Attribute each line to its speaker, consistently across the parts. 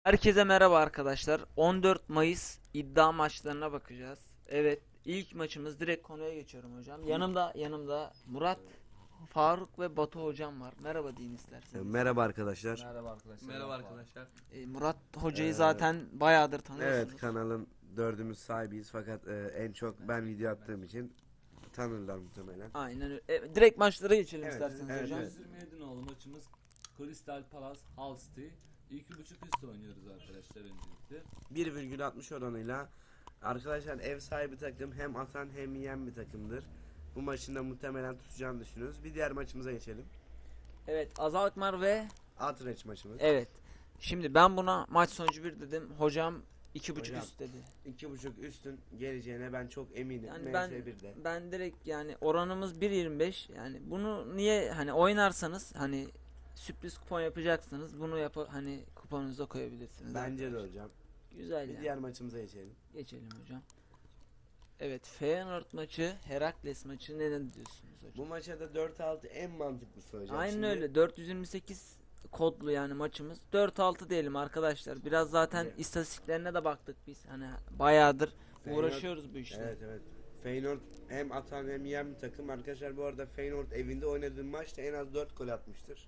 Speaker 1: Herkese merhaba arkadaşlar. 14 Mayıs iddia maçlarına bakacağız. Evet, ilk maçımız, direkt konuya geçiyorum hocam. Yanımda Murat, Faruk ve Batu hocam var. Merhaba deyin isterseniz.
Speaker 2: Merhaba arkadaşlar.
Speaker 3: Merhaba arkadaşlar.
Speaker 4: Merhaba arkadaşlar.
Speaker 1: Murat hocayı zaten bayağıdır tanıyorsunuz.
Speaker 2: Evet, kanalın dördümüz sahibiyiz fakat en çok ben video attığım için tanırlar muhtemelen.
Speaker 1: Aynen öyle. Direkt maçlara geçelim
Speaker 2: Evet,
Speaker 1: isterseniz
Speaker 2: evet,
Speaker 1: hocam.
Speaker 2: evet.
Speaker 4: 127 nolu maçımız Crystal Palace Hull City. 2.5 üstü oynuyoruz arkadaşlar öncelikle.
Speaker 2: 1,60 oranıyla arkadaşlar, ev sahibi takım hem atan hem yiyen bir takımdır. Bu maçın da muhtemelen tutacağını düşünüyoruz. Bir diğer maçımıza geçelim.
Speaker 1: Evet, Azal Akmar ve
Speaker 2: Outreach maçımız.
Speaker 1: evet. Şimdi ben buna maç sonucu 1 dedim. Hocam 2.5
Speaker 2: Hocam,
Speaker 1: üst dedi.
Speaker 2: 2,5 üstün geleceğine ben çok eminim.
Speaker 1: Yani
Speaker 2: MS1'de.
Speaker 1: ben direkt, yani oranımız 1.25, yani bunu niye hani oynarsanız, hani sürpriz kupon yapacaksınız, bunu hani kuponunuza koyabilirsiniz.
Speaker 2: Bence de
Speaker 1: arkadaşlar.
Speaker 2: hocam.
Speaker 1: Güzel
Speaker 2: Bir
Speaker 1: yani.
Speaker 2: diğer maçımıza geçelim.
Speaker 1: Geçelim hocam. Evet, Feyenoord maçı, Herakles maçı, neden diyorsunuz hocam?
Speaker 2: Bu maça da 4-6 en mantıklısı hocam.
Speaker 1: Aynen
Speaker 2: Şimdi-
Speaker 1: öyle, 428 kodlu yani maçımız. 4-6 diyelim arkadaşlar. Biraz zaten
Speaker 2: Evet.
Speaker 1: istatistiklerine de baktık biz. Hani bayağıdır
Speaker 2: Feyenoord-
Speaker 1: uğraşıyoruz bu işle.
Speaker 2: Evet evet. Feyenoord hem atan hem yiyen bir takım. Arkadaşlar, bu arada Feyenoord evinde oynadığı maçta en az 4 gol atmıştır.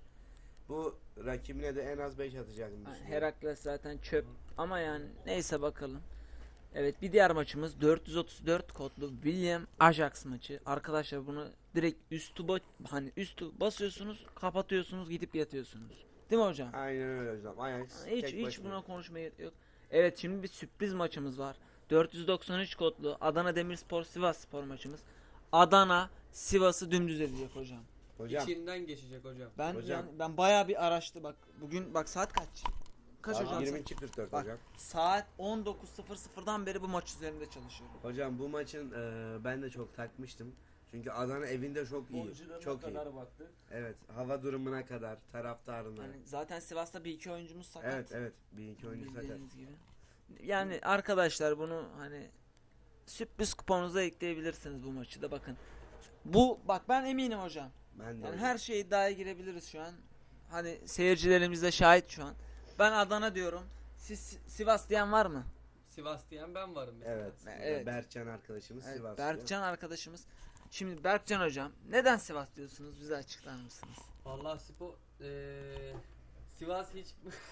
Speaker 2: Bu rakibine de en az 5 atacağını düşünüyorum.
Speaker 1: Herakles zaten çöp ama yani neyse, bakalım. Evet, bir diğer maçımız 434 kodlu William Ajax maçı. Arkadaşlar bunu direkt hani üstü basıyorsunuz, kapatıyorsunuz, gidip yatıyorsunuz. Değil mi hocam?
Speaker 2: Aynen öyle hocam. Ajax tek
Speaker 1: Hiç
Speaker 2: başına.
Speaker 1: buna konuşmaya gerek yok. Evet, şimdi bir sürpriz maçımız var. 493 kodlu Adana Demirspor Sivasspor maçımız. Adana Sivas'ı dümdüz edecek hocam.
Speaker 2: Hocam
Speaker 4: İçinden geçecek hocam.
Speaker 1: Ben ben bayağı bir araştı bak. Bugün bak, saat kaç? Kaç
Speaker 2: saat
Speaker 1: hocam?
Speaker 2: 22.44
Speaker 1: Bak,
Speaker 2: hocam.
Speaker 1: saat 19.00'dan beri bu maç üzerinde çalışıyorum.
Speaker 2: Hocam, bu maçın ben de çok takmıştım. Çünkü Adana evinde çok iyi.
Speaker 4: Oyuncularına
Speaker 2: Çok iyi.
Speaker 4: kadar baktık.
Speaker 2: Evet, hava durumuna kadar, taraftarına.
Speaker 1: Yani zaten Sivas'ta bir iki oyuncumuz sakat.
Speaker 2: Evet evet, bir iki oyuncu sakat.
Speaker 1: Bildiğiniz gibi. Yani arkadaşlar, bunu hani sürpriz kuponunuza ekleyebilirsiniz bu maçı da, bakın. Bak, ben eminim hocam.
Speaker 2: Ben de
Speaker 1: Yani
Speaker 2: hocam.
Speaker 1: her şeye iddiaya girebiliriz şu an. Hani seyircilerimiz de şahit şu an. Ben Adana diyorum. Siz Sivas diyen var mı?
Speaker 4: Sivas diyen ben varım mesela.
Speaker 2: Evet.
Speaker 1: Evet.
Speaker 2: Berkcan arkadaşımız
Speaker 1: Evet,
Speaker 2: Sivaslı.
Speaker 1: Berkcan arkadaşımız. Şimdi Berkcan hocam, neden Sivas diyorsunuz? Bize açıklar mısınız?
Speaker 4: Vallahi Sivas hiç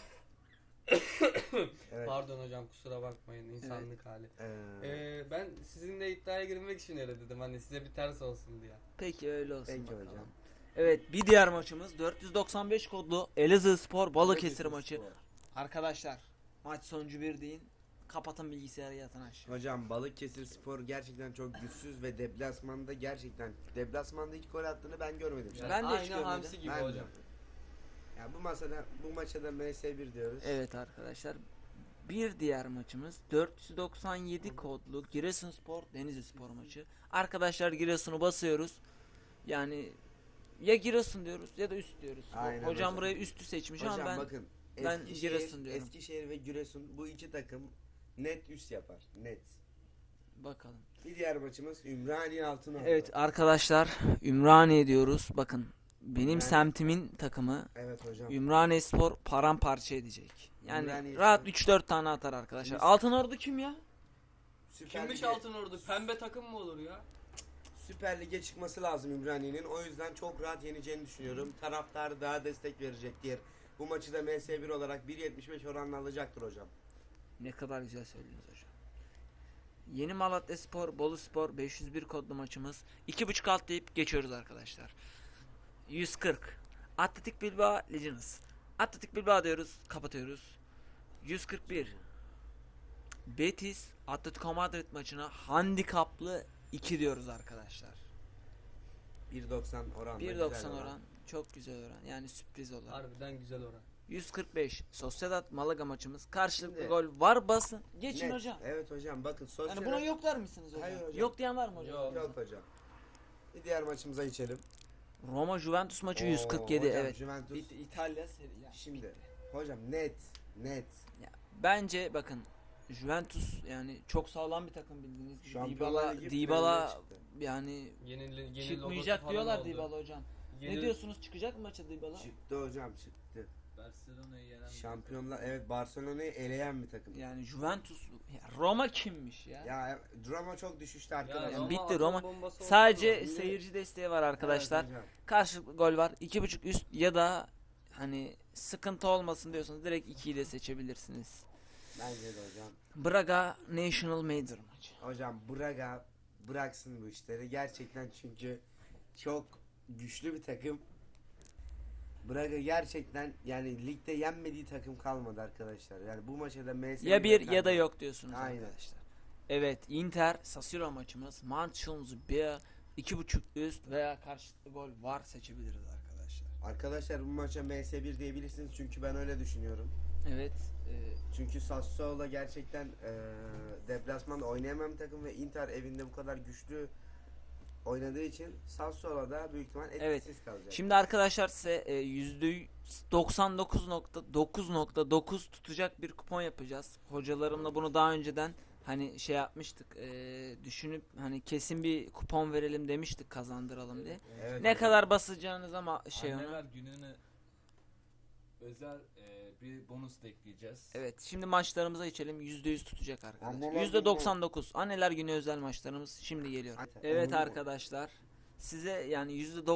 Speaker 2: Evet.
Speaker 4: pardon hocam, kusura bakmayın, insanlık hali. Ben sizinle iddiaya girmek için öyle dedim, hani size bir ters olsun diye.
Speaker 1: Peki, öyle olsun
Speaker 2: Peki
Speaker 1: bakalım.
Speaker 2: hocam.
Speaker 1: Evet, bir diğer maçımız 495 kodlu Elazığspor Balıkesir maçı.
Speaker 2: Spor.
Speaker 1: Arkadaşlar, maç sonucu 1 deyin. Kapatın bilgisayarı, yatın aşağı.
Speaker 2: Hocam, Balıkesir Spor gerçekten çok güçsüz ve deplasmanda deplasmanda ilk gol attığını ben görmedim.
Speaker 4: Yani
Speaker 1: Ben de hiç
Speaker 4: aynı
Speaker 1: görmedim.
Speaker 4: hamsi gibi
Speaker 2: Ben de.
Speaker 4: hocam.
Speaker 2: Ya bu maça da MS1 diyoruz.
Speaker 1: Evet arkadaşlar, bir diğer maçımız 497 kodlu Giresunspor Denizlispor maçı. Arkadaşlar, Giresun'u basıyoruz. Yani ya Giresun diyoruz ya da üst diyoruz.
Speaker 2: Aynen
Speaker 1: Hocam
Speaker 2: hocam.
Speaker 1: burayı üstü seçmiş
Speaker 2: Hocam
Speaker 1: ama ben
Speaker 2: bakın,
Speaker 1: ben Giresun diyorum.
Speaker 2: Eskişehir ve Giresun, bu iki takım net üst yapar. Net.
Speaker 1: bakalım.
Speaker 2: Bir diğer maçımız Ümraniye Altınordu.
Speaker 1: Evet arkadaşlar, Ümraniye diyoruz. Bakın, benim
Speaker 2: Ümraniye.
Speaker 1: semtimin takımı
Speaker 2: Evet hocam.
Speaker 1: Ümraniyespor paramparça edecek. Yani
Speaker 2: Ümraniyespor.
Speaker 1: rahat 3-4 tane atar arkadaşlar.
Speaker 2: Biz-
Speaker 1: Altınordu kim ya?
Speaker 2: Süper
Speaker 4: Kimmiş
Speaker 2: Lig'e-
Speaker 4: Altınordu? Pembe takım mı olur ya?
Speaker 2: Süper Lig'e çıkması lazım Ümraniye'nin. O yüzden çok rahat yeneceğini düşünüyorum. Taraftar daha destek verecektir. Bu maçı da MS1 olarak 1.75 oranla alacaktır hocam.
Speaker 1: Ne kadar güzel söylüyorsunuz hocam. Yeni Malatyaspor Boluspor 501 kodlu maçımız. 2.5 alt deyip geçiyoruz arkadaşlar. 140 Atletik Bilbao Legends. Atletik Bilbao diyoruz, kapatıyoruz. 141 Betis Atletico Madrid maçına handikaplı 2 diyoruz arkadaşlar.
Speaker 2: 1.90 oran.
Speaker 1: 1.90 oran, çok güzel oran, yani sürpriz olan.
Speaker 4: Harbiden güzel oran.
Speaker 1: 145 Sociedad Malaga maçımız, karşılıklı
Speaker 2: Şimdi-
Speaker 1: gol var, basın geçin
Speaker 2: Net.
Speaker 1: hocam.
Speaker 2: Evet hocam, bakın sosyal.
Speaker 1: Yani buna yok der misiniz hocam?
Speaker 2: Hayır hocam.
Speaker 1: Yok diyen var mı hocam?
Speaker 4: Yok.
Speaker 2: Yok hocam. Bir diğer maçımıza geçelim.
Speaker 1: Roma Juventus maçı
Speaker 2: Oo,
Speaker 1: 147,
Speaker 2: hocam,
Speaker 1: evet.
Speaker 2: Juventus.
Speaker 1: İtalya seri ya.
Speaker 2: Şimdi hocam, net.
Speaker 1: Bence bakın, Juventus yani çok sağlam bir takım, bildiğiniz gibi.
Speaker 2: Şampiyonlar Ligi
Speaker 1: Dybala
Speaker 2: finaline çıktı.
Speaker 1: yani
Speaker 4: Yeni logosu
Speaker 1: çıkmayacak
Speaker 4: falan
Speaker 1: diyorlar
Speaker 4: oldu.
Speaker 1: Dybala hocam.
Speaker 4: Yeni-
Speaker 1: Ne diyorsunuz, çıkacak mı maça Dybala?
Speaker 2: Çıktı hocam, çıktı.
Speaker 3: Barcelona'yı yenen bir
Speaker 2: Şampiyonlar, evet, Barcelona'yı eleyen bir takım.
Speaker 1: Yani Juventus, ya Roma kimmiş ya?
Speaker 2: Ya Roma çok düşüştü arkadaşlar.
Speaker 1: Yani
Speaker 4: Roma
Speaker 1: bitti
Speaker 4: atom
Speaker 1: Roma.
Speaker 4: bombası oldu
Speaker 1: Sadece
Speaker 4: ama.
Speaker 1: seyirci desteği var arkadaşlar.
Speaker 2: Evet hocam.
Speaker 1: Karşılıklı gol var. 2.5 üst ya da hani sıkıntı olmasın diyorsanız direkt 2'yi de seçebilirsiniz.
Speaker 2: Bence de hocam.
Speaker 1: Braga National Major maçı.
Speaker 2: Hocam Braga bıraksın bu işleri. Gerçekten çünkü çok güçlü bir takım. Braga gerçekten yani ligde yenmediği takım kalmadı arkadaşlar. Yani bu maçta da MS
Speaker 1: Ya bir ya da yok diyorsunuz
Speaker 2: Aynen.
Speaker 1: arkadaşlar. Evet, Inter Sassuolo maçımız. Manchester bir 2.5 üst veya karşılıklı gol var seçebiliriz arkadaşlar.
Speaker 2: Arkadaşlar bu maça MS1 diyebilirsiniz çünkü ben öyle düşünüyorum.
Speaker 1: Evet.
Speaker 2: Çünkü Sassuolo gerçekten deplasmanda oynayamayan bir takım ve Inter evinde bu kadar güçlü oynadığı için Sassuolo da büyük ihtimal etkisiz kalacak.
Speaker 1: Şimdi arkadaşlar size %99.9.9 tutacak bir kupon yapacağız. Hocalarımla bunu daha önceden hani şey yapmıştık. Düşünüp hani kesin bir kupon verelim demiştik, kazandıralım diye.
Speaker 2: Evet,
Speaker 1: Ne
Speaker 2: hocam.
Speaker 1: kadar basacağınız ama
Speaker 3: Anneler gününe özel bir bonus da ekleyeceğiz.
Speaker 1: Evet, şimdi maçlarımıza geçelim. %100 tutacak arkadaşlar.
Speaker 2: Anneler
Speaker 1: %99. Anneler günü özel maçlarımız şimdi geliyor. Evet
Speaker 2: Onu-
Speaker 1: arkadaşlar. Size yani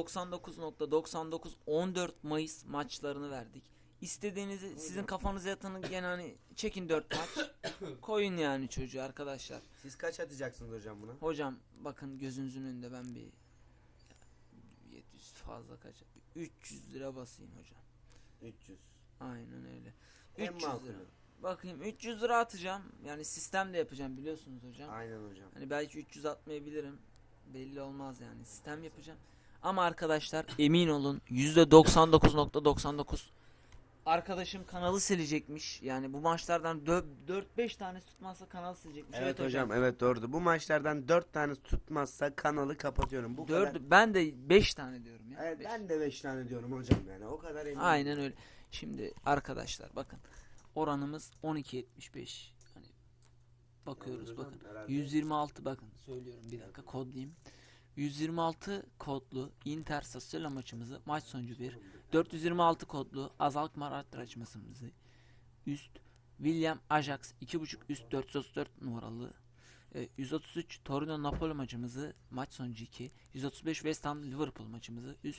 Speaker 1: %99.99 14 Mayıs maçlarını verdik. İstediğinizi sizin kafanıza yatanı gene hani çekin 4 maç. Koyun yani çocuğu arkadaşlar.
Speaker 2: Siz kaç atacaksınız hocam buna?
Speaker 1: Hocam bakın gözünüzün önünde ben bir 700 fazla kaç 300 lira basayım hocam.
Speaker 2: 300.
Speaker 1: Aynen öyle.
Speaker 2: En
Speaker 1: 300
Speaker 2: makulü.
Speaker 1: lira. Bakayım 300 lira atacağım. Yani sistem de yapacağım biliyorsunuz hocam.
Speaker 2: Aynen hocam.
Speaker 1: Hani belki 300 atmayabilirim. Belli olmaz yani. Sistem yapacağım. Ama arkadaşlar emin olun %99.99 arkadaşım kanalı silecekmiş. Yani bu maçlardan 4-5 tane tutmazsa kanalı silecekmiş.
Speaker 2: Evet hocam, evet doğru. Bu maçlardan 4 tane tutmazsa kanalı kapatıyorum. Bu kadar.
Speaker 1: Ben de 5 tane diyorum ya.
Speaker 2: Evet,
Speaker 1: Beş.
Speaker 2: ben de 5 tane diyorum hocam yani. O kadar eminim.
Speaker 1: Aynen öyle. Şimdi arkadaşlar bakın. Oranımız 12.75. Hani bakıyoruz
Speaker 2: Evet hocam,
Speaker 1: bakın.
Speaker 2: herhalde.
Speaker 1: 126 bakın söylüyorum bir dakika kodlayayım. 126 kodlu Inter Sassuolo maçımızı maç sonucu 1. 426 kodlu Azalkmaar maçımızı üst. William Ajax 2.5 üst 434 numaralı. 133 Torino Napoli maçımızı maç sonucu 2. 135 West Ham Liverpool maçımızı üst.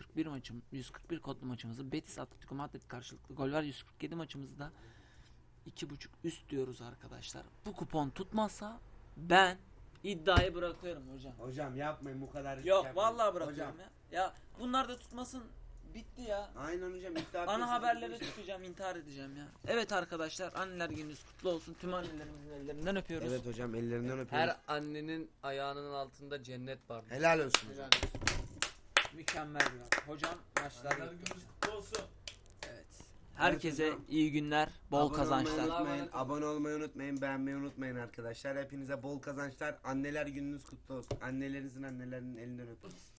Speaker 1: 141 kodlu maçımızı Betis Atletico Madrid karşılıklı gol var. 147 maçımızı da 2.5 üst diyoruz arkadaşlar. Bu kupon tutmazsa ben iddiayı bırakıyorum hocam.
Speaker 2: Hocam yapmayın bu kadar. risk
Speaker 1: Yok
Speaker 2: yapmayın.
Speaker 1: vallahi bırakıyorum
Speaker 2: Hocam.
Speaker 1: ya. Ya bunlar da tutmasın, bitti ya.
Speaker 2: Aynen hocam.
Speaker 1: Ana haberlere çıkacağım, intihar edeceğim ya. Evet arkadaşlar, anneler gününüz kutlu olsun. Tüm annelerimizin ellerinden öpüyoruz.
Speaker 2: Evet hocam, ellerinden öpüyoruz.
Speaker 4: Her annenin ayağının altında cennet var.
Speaker 2: Helal olsun hocam.
Speaker 1: Mükemmel bir an. Hocam maçlar
Speaker 3: Anneler
Speaker 1: bitti.
Speaker 3: gününüz kutlu olsun.
Speaker 1: Evet. Herkese
Speaker 2: hocam.
Speaker 1: iyi günler, bol
Speaker 2: Abone
Speaker 1: kazançlar.
Speaker 2: olmayı unutmayın,
Speaker 4: Allah'a emanet
Speaker 2: abone olmayı unutmayın, beğenmeyi unutmayın arkadaşlar. Hepinize bol kazançlar. Anneler gününüz kutlu olsun. Annelerinizin annelerinin elinden öpün.